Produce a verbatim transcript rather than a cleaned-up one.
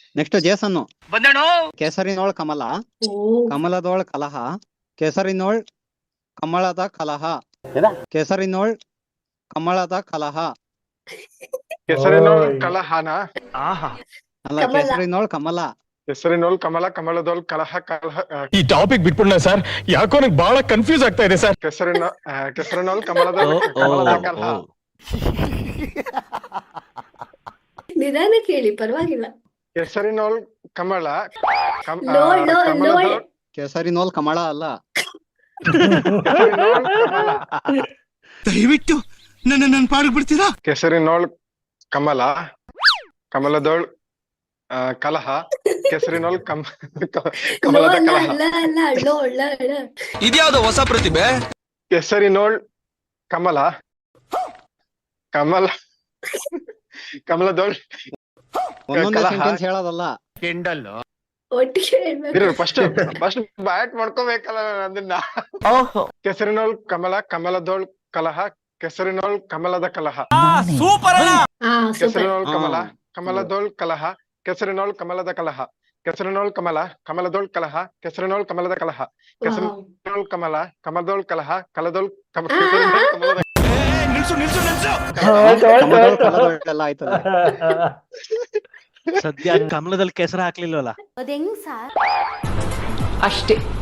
Next ಜೇಸನ್ನು ಬಂದೇಣು ಕೇಸರಿನೋಳ್ ಕಮಲ ಓ ಕಮಲದೋಳ್ ಕಲಹ ಕೇಸರಿನೋಳ್ ಕಮಲದ ಕಲಹ ಕೇಸರಿನೋಳ್ ಕಮಲದ ಕಲಹ ಕೆಸರಿನೋಳ್ ಕಲಹನ ಆಹಾ ಅಲ್ಲ ಕಮಲ. ಕೇಸರಿನೋಳ್ ಕಮಲ ಕೆಸರಿನೋಳ್ ಕಮಲ ಕಮಲದೋಳ್ ಕಲಹ ಕಲಹ ಆ, ಈ ಟಾಪಿಕ್ ಬಿಟ್ಬಿಡ್ಲ ಸರ್ ಯಾಕೋ ನಂಗೆ ಬಹಳ ಕನ್ಫ್ಯೂಸ್ ಆಗ್ತಾ ಇದೆ ಸರ್. ಕೆಸರಿನ ಆ, ಕೆಸರಿನೋಳ್ ಕಮಲದೋಳ್ ಕಮಲದ ಕಲಹ ನಿಧಾನ ಕೇಳಿ ಪರವಾಗಿಲ್ಲ. ಕೆಸರಿನೋಳ್ ಕಮಲ ಕಮ್- ಆ, ಲೋಳ್ ಲೋಳ್ ಲೋಳ್ ಕಮಲದೋಳ್ ಕೇಸರಿನೋಳ್ ಕಮಲ ಅಲ್ಲ ಕೆಸರಿನೋಳ್ ಕಮಲ ದಯವಿಟ್ಟು ನನ್ನ ನನ್ನ ಪಾಡಿಗೆ ಬಿಡ್ತೀರಾ? ಕೆಸರಿನೋಳ್ ಕಮಲ ಕಮಲದೋಳ್ ಆ, ಕಲಹ ಕೆಸರಿನೋಳ್ ಕಮ ಕ- ಕಮಲದ ಲೋಳ ಕಲಹ ಲ ಲ ಲೋಳ್ ಲ ಳ. ಇದ್ಯಾವ್ದು ಹೊಸ ಪ್ರತಿಭೆ? ಕೆಸರಿನೋಳ್ ಕಮಲ ಕಮಲ ಕಮಲದೋಳ್ ಒಂದೊಂದೇ ಕಲಹ ಸೆಂಟೆನ್ಸ್ ಹೇಳೋದಲ್ಲ. ಕೆಂಡಲ್ ಒಟ್ಟಿಗೆ ಹೇಳ್ಬೇಕು. ಫಸ್ಟ್ ಫಸ್ಟ್ ಬ್ಯಾಟ್ ಮಾಡ್ಕೋಬೇಕಲ್ಲ ಅದನ್ನ. ಕೆಸರಿನೋಳ್ ಕಮಲ ಕಮಲದೋಳ್ ಕಲಹ ಕೆಸರಿನೋಳ್ ಕಮಲದ ಕಲಹ ಸೂಪರ್ ಅಣ್ಣ. ಹಾ ಸೂಪರ್. ಕೆಸರಿನೋಳ್ ಕಮಲ ಹಾ. ಕಮಲದೋಳ್ ಕಲಹ ಕೆಸರಿನೋಳ್ ಕಮಲದ ಕಲಹ ಕೆಸರಿನೋಳ್ ಕಮಲ ಕಮಲದೋಳ್ ಕಲಹ ಕೆಸರಿನೋಳ್ ಕಮಲದ ಕಲಹ ಕೆಸರಿನೋಳ್ ಕಮಲ ಕಮಲದೋಳ್ ಕಲಹ ಕಲದೋಳ್ ಕಮ ಕೆಸರಿನೋಳ್ ಕಮಲದ ಏ, ನಿಲ್ಸು ನಿಲ್ಸು ನಿಲ್ಸು. ಕಮಲದೋಳ್ ಕಲದೋಳೆಲ್ಲ ಆಯ್ತದೆ. ಸದ್ಯ ಕಮಲದಲ್ಲಿ ಕೆಸರು ಹಾಕ್ಲಿಲ್ವಲ್ಲ. ಅದ್ ಹೆಂಗ್ ಸಾರ್? ಅಷ್ಟೇ.